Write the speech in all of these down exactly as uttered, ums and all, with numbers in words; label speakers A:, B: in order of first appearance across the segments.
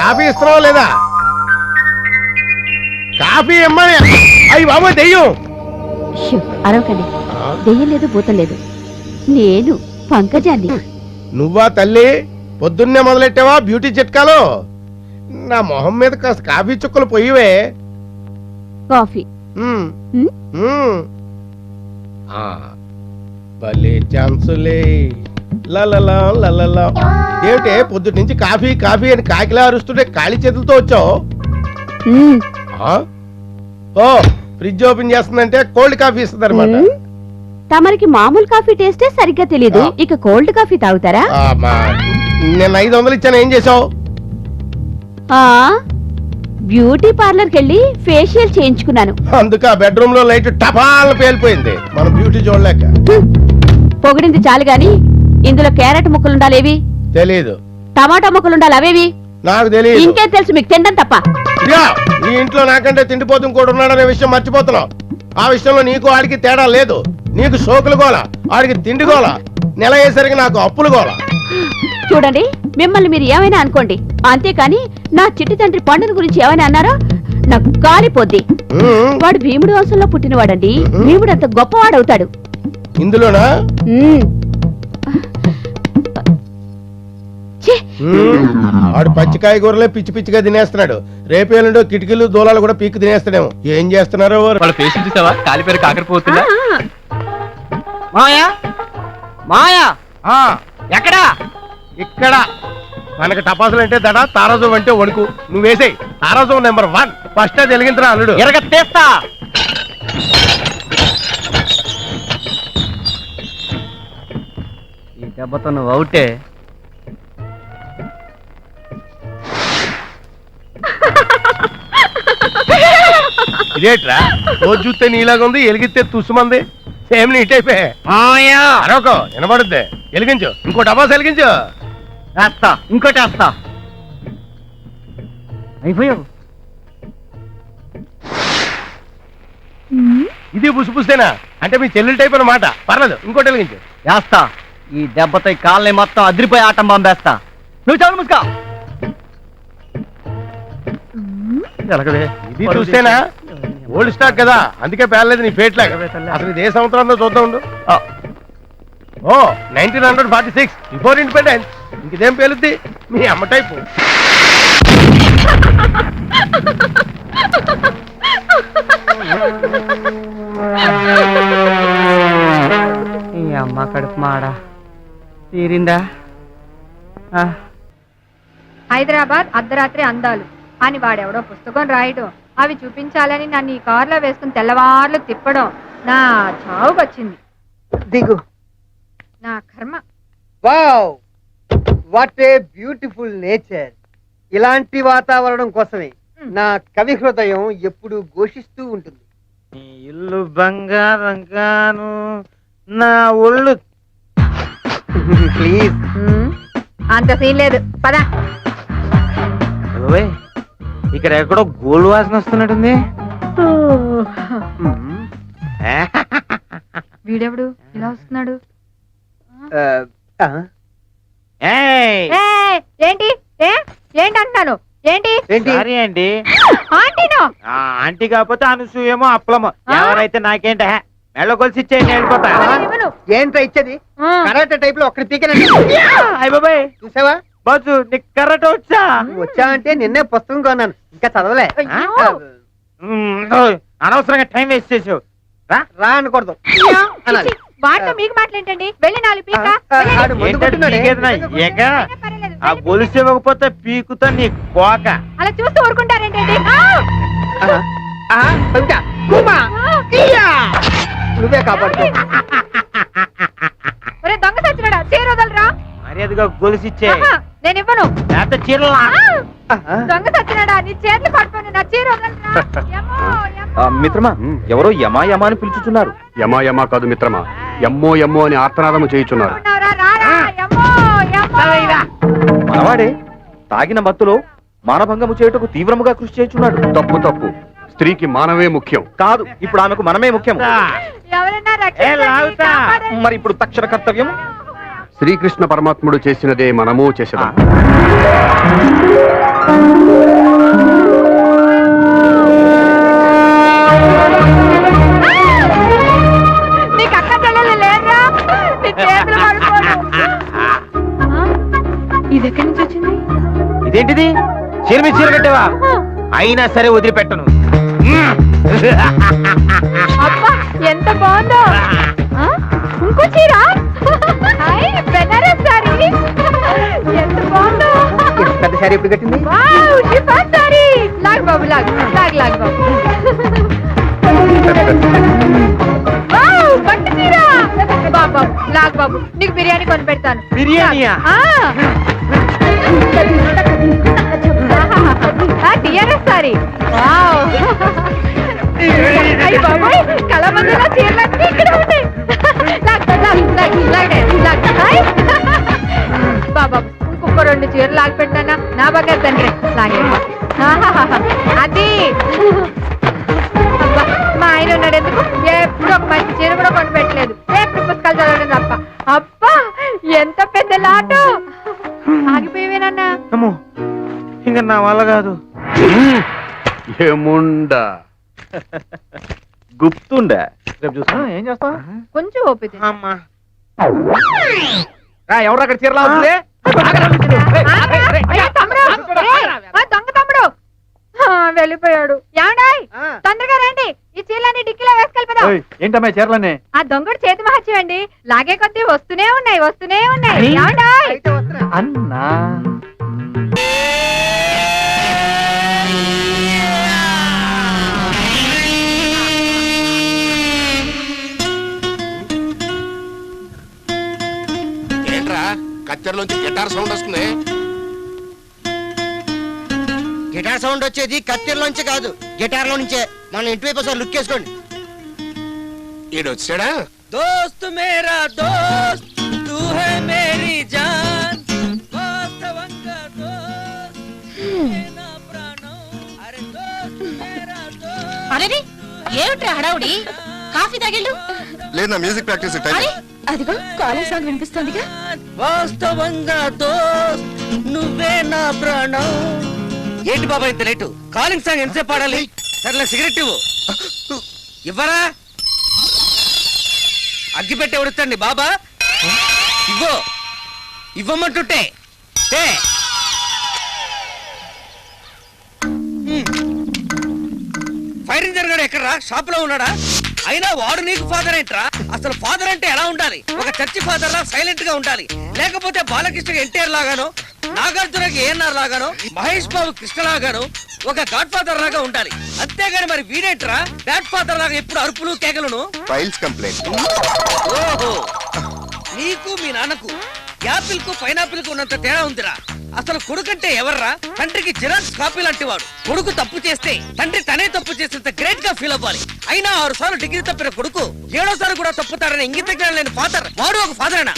A: Coffee ఇస్తున్నావా లేదా? Coffee ఇమ్మని. అయ్యి బాబు దెయ్యం.
B: అరవకండి, దెయ్యం లేదు భూతం లేదు, నేను పంకజాన్ని.
A: నువ్వా తల్లి? పొద్దున్నే మొదలెట్టావా బ్యూటీ చిట్కాలు? నా మొహం మీద కాస్త కాఫీ చుక్కలు పొయ్యివే.
B: కాఫీ
A: భలే ఛాన్సులే. లలలా లలలా. ఏమిటే పొద్దుటి నుంచి కాఫీ కాఫీ అని కాకిలా అరుస్తుంటే ఖాళీ చేతులతో వచ్చావు? ఓ ఫ్రిడ్జ్ ఓపెన్ చేస్తుందంటే కోల్డ్ కాఫీ ఇస్తుంది అనమాట.
B: తమరికి మామూలు కాఫీ టేస్టే సరిగ్గా తెలీదు, ఇక కోల్డ్ కాఫీ తాగుతారా?
A: నేను ఐదు వందలు ఇచ్చాను, ఏం చేసావు?
B: బ్యూటీ పార్లర్ కెళ్ళి ఫేషియల్ చేయించుకున్నాను.
A: అందుకే బెడ్రూమ్ లో లైట్ టపాల్ పేలిపోయింది. మనం బ్యూటీ చూడలేక.
B: పొగిడింది చాలు గాని ఇందులో క్యారెట్ ముక్కలుండాలేవి?
A: తెలీదు.
B: టమాటా ముక్కలుండాలి, అవేవి?
A: నాకు తెలియదు.
B: ఇంకేం తెలుసు మీకు? తినడం తప్ప.
A: నీ ఇంట్లో నాకంటే తిండిపోతు కూడా ఉన్నాడనే విషయం మర్చిపోతున్నావు. ఆ విషయంలో నీకు ఆడికి తేడా లేదు. నీకు సోకులు గోల, ఆడికి తిండి గోల, నెల అయ్యేసరికి నాకు అప్పులు గోల.
B: చూడండి, మిమ్మల్ని మీరు ఏమైనా అనుకోండి, అంతేకాని నా చిట్టి తండ్రి పండుగ గురించి ఏమైనా అన్నారో నాకు కాలిపోద్ది. వాడు భీముడు వంశంలో పుట్టినవాడండి. భీముడు అంత గొప్పవాడవుతాడు.
A: ఇందులోనా? ఆడు పచ్చికాయ కూరలే పిచ్చి పిచ్చిగా తినేస్తున్నాడు. రేపేళ్ళుండో కిటికీలు దూలాలు కూడా పీక్కు తినేస్తాడేమో. ఏం చేస్తున్నారో
C: వాళ్ళ ఫేస్ చూసావా? కాలిపేరు కాకరిపోతుందా?
D: మాయా మాయా ఎక్కడా?
A: ఇక్కడ. మనకి టపాసులు అంటే దడ, తారాజం అంటే వణుకు. నువ్వేసేయ్. తారాజం నెంబర్ వన్. ఫస్ట్ అది వెలిగించరా అల్లుడు.
D: ఎరగ తీస్తా. ఈ దెబ్బతో నువ్వు అవుటే.
A: ఇదేట్రా రోజు చూస్తే నీలాగా ఉంది, ఎలిగిస్తే తుసుమంది. సేమ్ నీట్ అయిపోయా. అరొక వినపడుద్ది. వెలిగించు. ఇంకో టపాసు వెలిగించు.
D: వేస్తా, ఇంకోటి వేస్తా. అయిపోయావు.
A: ఇది పుసుపుస్తేనా? అంటే మీ చెల్లెలు టైప్ అన్నమాట. పర్లేదు, ఇంకోటి వెలిగించు.
D: వేస్తా. ఈ దెబ్బతో ఈ కాళ్ళని మొత్తం అదిరిపోయి ఆటం పంపేస్తా. నువ్వు చాలు ముసుకా.
A: ఇది చూస్తేనా? ఓల్డ్ స్టాక్ కదా, అందుకే పేర్లేదు నీ ఫేట్ లాగా. అసలు ఇది ఏ సంవత్సరంలో చూద్దాం ఉండు. ఓ nineteen hundred forty six before independence. ఇంకేం పేలుద్ది? మీ అమ్మ టైపు.
D: ఈ అమ్మ కడుపు మాడా తీరిందా?
E: హైదరాబాద్ అర్ధరాత్రి అందాలు అని వాడెవడో పుస్తకం రాయడం, అవి చూపించాలని నన్ను ఈ కారులో వేసుకుని తెల్లవార్లు తిప్పడం నా చావుకొచ్చింది.
F: దిగు.
E: నా కర్మ.
F: Wow, what a beautiful nature. ఇలాంటి వాతావరణం కోసమే నా కవి హృదయం ఎప్పుడు ఘోషిస్తూ ఉంటుంది.
D: ఇల్లు బంగారం గాను, నా ఒళ్ళు.
F: ప్లీజ్.
E: అంత సీన్ లేదు, పద.
D: ఇక్కడ ఎక్కడో గోల్డ్ వాసన వస్తున్నట్టుంది.
E: వీడెవడు ఇలా వస్తున్నాడు? ఏంటి ఏంటి అంటున్నాను? ఏంటి
D: అండి?
E: ఆంటీనో?
D: ఆంటీ కాకపోతే అనసూయేమో అప్పలమో ఎవరైతే నాకేంట మెళ్ళ కొలిసి ఇచ్చేయండి, వెళ్ళిపోతా.
F: ఏంట్రా ఇచ్చేది? కరాటే టైప్ లో ఒక్కడి పీకనండి.
D: అయ్య బాబాయ్,
F: చూసావా
D: బాజు నీకు కరాటే వచ్చా?
F: వచ్చా అంటే నిన్నే పుస్తకం కొన్నాను, ఇంకా చదవలే.
D: అనవసరంగా టైం వేస్ట్ చేసావు. రా
F: రా అనకూడదు.
E: వాటితో మీకు మాట్లాడండి. వెళ్ళి నాలుగు పీక.
D: ఆ గొలుసు ఇవ్వకపోతే పీకుతో నీ కోక.
E: అలా చూస్తూ ఊరుకుంటారేంటండి?
F: నువ్వే కాపాడుకో.
E: దొంగ సచ్చినాడా, చీర వదలరా.
D: మర్యాదగా గొలుసిచ్చే.
E: నేను ఇవ్వను.
D: చీరలా
E: దొంగ సచ్చినాడా, నీ చేతులు పట్టుకొని నా చీర వదలరా.
C: మిత్రమా, ఎవరో యమా యమా అని పిలుచుతున్నారు.
G: యమా యమా కాదు మిత్రమా, ఎమ్మో ఎమ్మో అని ఆర్తనాదము చేయుచున్నారు.
C: మనవాడే తాగిన మత్తులో మానభంగము చేయుటకు తీవ్రముగా కృషి చేయుచున్నాడు.
G: తప్పు తప్పు. స్త్రీకి మానవే ముఖ్యం.
C: కాదు, ఇప్పుడు ఆమెకు మనమే ముఖ్యం.
E: ఎవరైనా
C: మరి ఇప్పుడు తక్షణ కర్తవ్యం
G: శ్రీకృష్ణ పరమాత్ముడు చేసినదే మనము చేసేదాం.
E: నీకు అక్క చెల్లెలు లేరా? నీ చేతులు పడిపోను. ఆ, ఇది ఎక్కడి నుంచి వచ్చింది?
D: ఇదేంటిది చీర మీద చీర కట్టావా? అయినా సరే వదిలిపెట్టను.
E: అబ్బా ఎంత బాగుందో. ఆ, ఇంకో చీర. Hi, Banaras sari. ఎంత బాగుందో.
F: పెద్ద శారీ ఎప్పుడు కట్టింది?
E: Wow, chiffon sari. లాగ్ బాబు లాగ్ లాగ్ లాగ్ బాబు. వావ్, పట్టు చీర. బాబు బాబు లాగ్ బాబు, నీకు బిర్యానీ కొని పెడతాను.
D: బిర్యానీయా?
E: TRS sorry. వావ్, అయ్య బాబోయ్, కళామందిలో చీరలన్నీ ఇక్కడ ఉంటాయి. లాగ్ లాగ్ లాగ్ లాగ్ లాగ్. హాయ్ బాబా, ఇంకొక రెండు చీరలు లాగి పెట్టానా? నా బాగా తండ్రి లాగే. ఆహాహాహా. అది అబ్బా, మా ఆయన ఉన్నాడు ఎందుకు? ఎప్పుడు ఒక మంచి చీర కూడా కొని పెట్టలేదు. ఎప్పుడు పుస్తకాలు చదవడం తప్ప. అబ్బా, ఎంత పెద్ద లాటు. ఆగిపోయేవేనన్నా.
D: అమ్మో, ఇంకా నా వల్ల కాదు.
G: ఏముండా
C: గుప్తుండే
D: రేపు చూస్తా. ఏం చేస్తా?
E: కొంచెం ఓపిక.
D: అమ్మా ఎవరు అక్కడ చీరలా ఉంది?
E: అయ్యో, తమ్ముడు. ఏయ్, ఆ దొంగ తమ్ముడు ఆ, వెళ్ళిపోయాడు. ఏమండాయ్, తొందరగా రండి. ఈ చీరలన్నీ డిక్కీలో వేసుకెళ్ళిపోదాం.
D: ఏంటమ్మా చీరలన్నీ?
E: ఆ దొంగడు చేతి మహత్యం అండి. లాగే కొద్దీ వస్తూనే ఉన్నాయి వస్తూనే ఉన్నాయి. ఏమండాయ్?
D: అన్నా
A: ఏంట్రా కత్తెరలోంచి గిటార్ సౌండ్ వస్తుంది?
F: గిటార్ సౌండ్ వచ్చేది కత్తెరలోంచి కాదు, గిటార్ లో నుంచే. మన ఇంటి వైపు ఒకసారి లుక్ వేసుకోండి.
A: ఈడు వచ్చాడా?
F: దోస్త్ మేరా దోస్త్ తూ హై మేరీ జాన్ వాస్తవంగా దోస్త్ నువ్వే నా ప్రాణం. అరే దోస్త్ మేరా దోస్త్.
B: అరే ఏమిట్రా హడావుడి? కాఫీ తాగిళ్ళు.
H: లేదు నా మ్యూజిక్ ప్రాక్టీస్ టైం.
B: అదిగో కాలేజ్ సాంగ్ వినిపిస్తుందిగా.
F: వాస్తవంగా దోస్త్ నువ్వే నా ప్రాణం. ఏంటి బాబా ఇంత లేటు? కాలింగ్ సాంగ్ ఎంతసేపు పాడాలి? సర్లే సిగరెట్ ఇవ్వు. ఇవ్వరా? అగ్గి పెట్టి ఉడుతండి బాబా. ఇవ్వు, ఇవ్వమంటుంటే టే. ఫైర్ ఇంజన్ గారు ఎక్కడరా? షాప్ లో ఉన్నాడా? అయినా వాడు నీకు ఫాదర్ ఏంట్రా? అసలు ఫాదర్ అంటే ఎలా ఉండాలి? ఒక చర్చి ఫాదర్ లా సైలెంట్ గా ఉండాలి. లేకపోతే బాలకృష్ణ ఎన్టీఆర్ లాగానో, నాగార్జునకి ఏఎన్ఆర్ లాగానో, మహేష్ బాబు కృష్ణ లాగానో ఒక గాడ్ ఫాదర్ లాగా ఉండాలి. అంతేగాని మరి వీడేంట్రా బ్యాడ్ ఫాదర్ లాగా ఎప్పుడు అరుపులు కేకలను?
H: Files complaint.
F: ఓహో, నీకు మీ నాన్నకు యాపిల్ కు పైనాపిల్ కు ఉన్నంత తేడా ఉందిరా. అసలు కొడుకంటే ఎవర్రా? తండ్రికి జిరాక్స్ కాపీ లాంటి వాడు. కొడుకు తప్పు చేస్తే తండ్రి తనే తప్పు చేసేంత గ్రేట్ గా ఫీల్ అవ్వాలి. అయినా ఆరు సార్లు డిగ్రీ తప్పిన కొడుకు ఏడోసారి కూడా తప్పుతాడని ఇంగిత జ్ఞానం లేని ఫాదర్ వాడు ఒక ఫాదరేనా?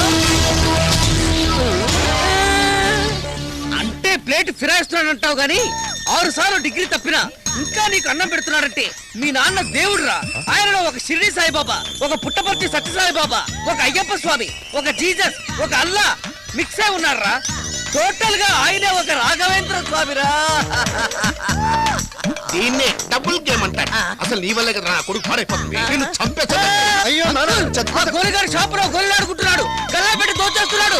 F: అంటే ప్లేట్ ఫిరాయిస్తున్నాడంటావు గాని ఆరు సార్లు డిగ్రీ తప్పినా ఇంకా నీకు అన్నం పెడుతున్నాడంటే మీ నాన్న దేవుడురా. ఆయనలో ఒక షిరిడి సాయిబాబా, ఒక పుట్టపర్తి సత్యసాయిబాబా, ఒక అయ్యప్ప స్వామి, ఒక జీసస్, ఒక అల్లా మిక్స్ అయి ఉన్నారా. టోటల్ గా ఆయనే ఒక రాఘవేంద్ర స్వామిరా.
A: దీన్నే డబుల్ గేమ్ అంటారు. అసలు నీ వల్లే కదా నా కొడుకు పాడైపోతుంది. నేను చంపేస్తా.
H: అయ్యో
F: గోలిగాడు షాప్ లో గోలిలాడుకుంటున్నాడు, గల్లా పెట్టి దోచేస్తున్నాడు.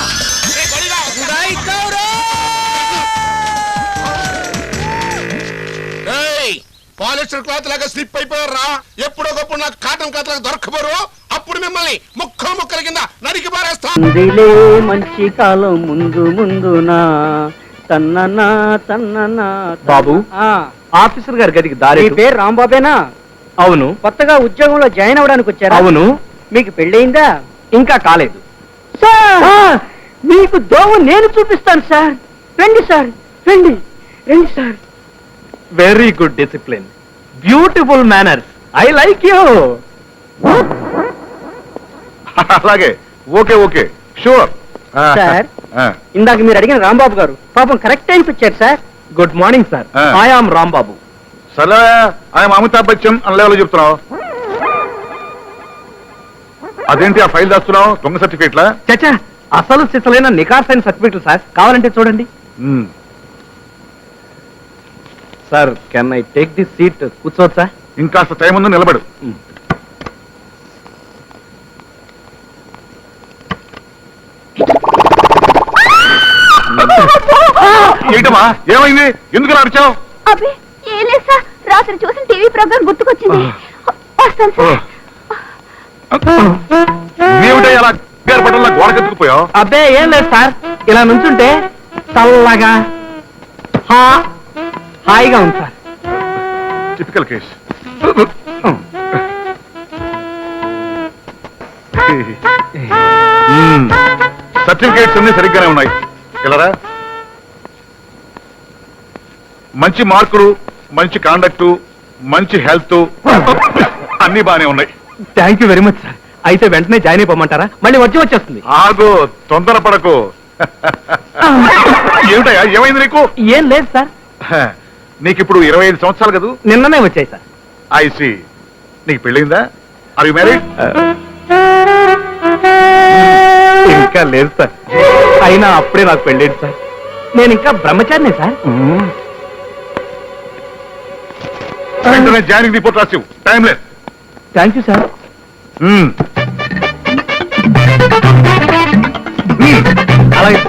A: పాలిస్టర్ క్లాత్ లాగా స్లిప్ అయిపోయారా? ఎప్పుడో గొప్ప నాకు కాటన్ క్లాత్ లాగా దొరకపోరు. అప్పుడు మిమ్మల్ని ముక్కలు ముక్కల కింద నరికి పారేస్తా.
I: మంచి కాలం ముందు ముందునా తన్ననా తన్ననా.
C: బాబు,
I: ఆ,
C: ఆఫీసర్ గారి గదికి దారి.
I: మీ పేరు రాంబాబేనా?
C: అవును.
I: కొత్తగా ఉద్యోగంలో జాయిన్ అవ్వడానికి వచ్చారా?
C: అవును.
I: మీకు పెళ్ళయిందా?
C: ఇంకా కాలేదు.
I: సార్, మీకు దోవ నేను చూపిస్తాను సార్. రండి సార్, రండి రండి sir.
C: Very good discipline, beautiful manners. I like you.
H: అలాగే, ఓకే ఓకే, షూర్.
I: సార్, ఇందాక మీరు అడిగిన రాంబాబు గారు పాపం కరెక్ట్ టైంకి వచ్చారు సార్.
C: Good morning sir.
H: ఆ.
C: I am Rambabu.
H: సరే, ఆయన అమితాబ్ బచ్చన్ అని లెవెల్ చెప్తున్నావు. అదేంటి ఆ ఫైల్ దాస్తున్నావు దొంగ సర్టిఫికేట్లా?
C: చచ్చా అసలు సిసలైన నికార్సైన సర్టిఫికెట్లు సార్, కావాలంటే చూడండి.
H: మ్మ్.
C: Sir can I take this seat? కూర్చోవచ్చా?
H: ఇంకాస్త టైం ఉంది, నిలబడు. ఏంటమ్మా ఏమైంది? ఎందుకు అరిచావు?
B: అబ్బే ఏం లేదు సార్, రాత్రి చూసిన టీవీ ప్రోగ్రామ్ గుర్తుకొచ్చింది. వస్తాను సార్.
H: ఏమిటో అలా పట్టణంలో గోడకెత్తుకుపోయావు?
C: అబ్బే ఏం లేదు సార్, ఇలా నుంచుంటే చల్లగా హా హాయిగా ఉంది సార్.
H: Typical case. సర్టిఫికేట్స్ అన్ని సరిగ్గానే ఉన్నాయి. ఇలారా, మంచి మార్కులు, మంచి కాండక్ట్, మంచి హెల్త్ అన్ని బానే ఉన్నాయి.
C: Thank you very much sir. అయితే వెంటనే జాయిన్ అయిపోమంటారా? మళ్ళీ వచ్చి వచ్చేస్తుంది.
H: ఆగు, తొందరపడకు. ఏమిటయ్యా ఏమైంది నీకు?
C: ఏం లేదు సార్,
H: నీకు ఇప్పుడు ఇరవై ఐదు సంవత్సరాలు కదా?
C: నిన్ననే వచ్చాయి సార్.
H: ఐసి, నీకు పెళ్ళిందా? Are you married?
C: ఇంకా లేదు సార్, అయినా అప్పుడే నాకు పెళ్ళేది సార్. నేను ఇంకా బ్రహ్మచారినే సార్.
H: వెంటనే జాయినింగ్ రిపోర్ట్ రాసివు, టైం లేదు.
C: Thank you sir.
H: మ్మ్. మ్మ్.
C: అలాగే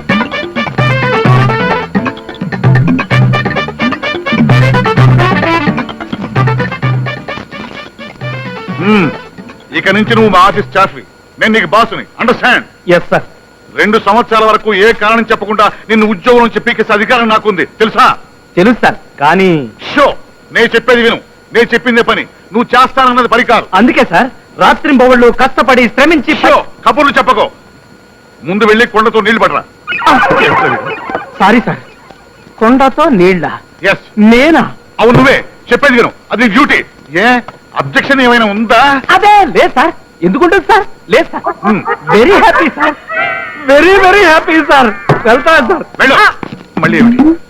H: మ్మ్. ఇక నుంచి నువ్వు మా ఆఫీస్ స్టాఫ్వి, నేను నీకు బాసుని. అండర్స్టాండ్?
C: Yes sir.
H: రెండు సంవత్సరాల వరకు ఏ కారణం చెప్పకుండా నిన్ను ఉద్యోగం నుంచి పీకేసే అధికారం నాకుంది, తెలుసా?
C: తెలుసు సార్, కానీ
H: షో, నేను చెప్పేది విను. నేను చెప్పిందే పని, నువ్వు చేస్తానన్నది పని కాదు.
C: అందుకే సార్ రాత్రి బొగళ్ళు కష్టపడి శ్రమించి
H: షో, కబుర్లు చెప్పకో. ముందు వెళ్ళి కొండతో నీళ్లు పడరా.
C: సారీ సార్, కొండతో నీళ్ళ?
H: ఎస్,
C: నేనా?
H: అవును నువ్వే. చెప్పేది విను, అది డ్యూటీ. ఏ అబ్జెక్షన్ ఏమైనా ఉందా?
C: అదే లేదు సార్. ఎందుకుంటుంది సార్? లేదు sir.
H: Hmm.
C: Very happy sir, very very happy sir. వెళ్తాను సార్.
H: వెళ్ళు. మళ్ళీ ఏమిటి?